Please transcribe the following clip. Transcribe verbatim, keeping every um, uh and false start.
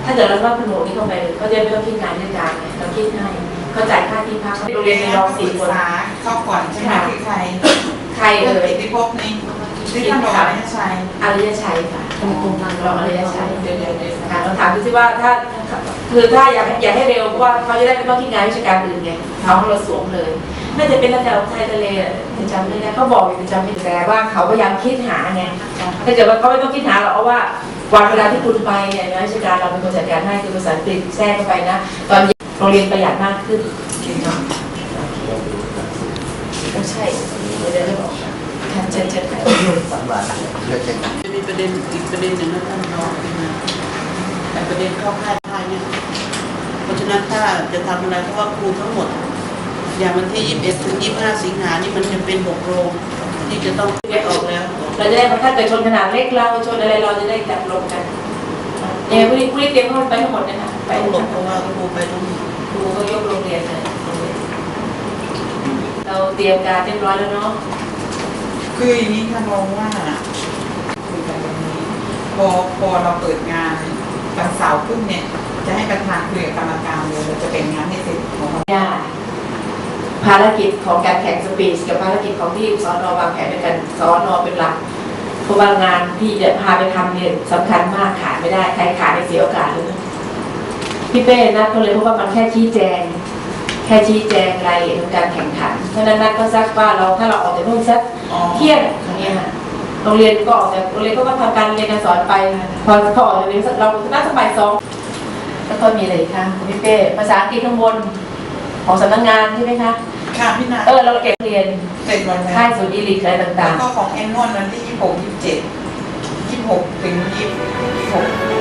ถ้าเกิดเราว่าคุณหนูนี่เข้าไปเขาจะไม่ต้องคิดงานเรื่องการเราคิดให้เขาจ่ายค่าที่พักโรงเรียนในรองสี่คนเข้าก่อนใช่ไหมคือใครใครเอ่ยที่พบนี่ที่ท่านบอกอริยชัยอริยชัยค่ะตรงตรงนั้นรองอริยชัยเดี๋ยวเดี๋ยวเดี๋ยวค่ะเราถามดูสิว่าถ้าคือถ้าอยากอยากให้เร็วเพราะว่าเขาจะได้ไม่ต้องคิดงานวิชาการอื่นไงเขาเราสวมเลยน่าจะเป็นระดับไทยทะเลจำไม่ได้เขาบอกอยู่จำไม่ได้ว่าเขาพยายามคิดหาไงถ้าเกิดว่าเขาไม่ต้องคิดหาเราเอาว่าวันเวลาที่คุณไปเนี่ยนะวิชาการเราเป็นคนจัดการให้คือภาษาอังกฤษแทรกเข้าไปนะตอนโรงเรียนประหยัดมากขึ้นเนาะไม่ใช่เดี๋ยวจะบอกค่ะเชิญเชิญค่ะสามบาทจะมีประเด็นอีกประเด็นหนึ่งนะท่านรองนะแต่ประเด็นเข้าค่ายค่ายเนี่ยเพราะฉะนั้นถ้าจะทำอะไรเพราะว่าครูทั้งหมดอย่างวันที่ยี่สิบเอ็ดถึงยี่สิบห้าสิงหานี่มันจะเป็นหกโรงที่จะต้องแยกออกแล้วเราจะได้ถ้าเกิดชนขนาดเล็กเราชนอะไรเราจะได้จับลงกันเนี่ยผู้นี้ผู้นี้เตรียมเข้าไปทั้งหมดนะคะไปหมดเพราะว่าครูไปต้องครูก็ยกโรงเรียนเลยเราเตรียมการเรียบร้อยแล้วเนาะคืออย่างนี้ค่ะมองว่าคุยกันวันนี้พอพอเราเปิดงานวันเสาร์ขึ้นเนี่ยจะให้ประธานคุยกับกรรมการเลยเราจะเป็นงานให้เสร็จของเราภารกิจของการแข่งสปีดกับภารกิจของที่สอนอวางแผนด้วยกันสอนอเป็นหลักเพราะว่างานที่จะพาไปทำเนี่ยสำคัญมากขาดไม่ได้ใครขาดไม่เสียโอกาสเลยพี่เป้นัดก็เลยเพราะว่ามันแค่ชี้แจงแค่ชี้แจงรายละเอียดของการแข่งขันเพราะนั้นนัดก็ซักว่าเราถ้าเราออกจากนู่นสักเที่ยงอย่างเงี้ยโรงเรียนก็ออกจากโรงเรียนก็ทำการเรียนการสอนไปพอเขาออกจากโรงเรียนเราน่าจะบ่ายสองแล้วก็มีอะไรคะพี่เป้ภาษาอังกฤษข้างบนของสำนักงานใช่ไหมคะค่ะพี่นาเออเราเก็บเรียนเสร็จวันค่ายศูนย์อีลิทอะไรต่างๆแล้วก็ของแอนนวลวันที่ยี่สิบหกยี่สิบเจ็ดยี่สิบหกถึงยี่สิบหก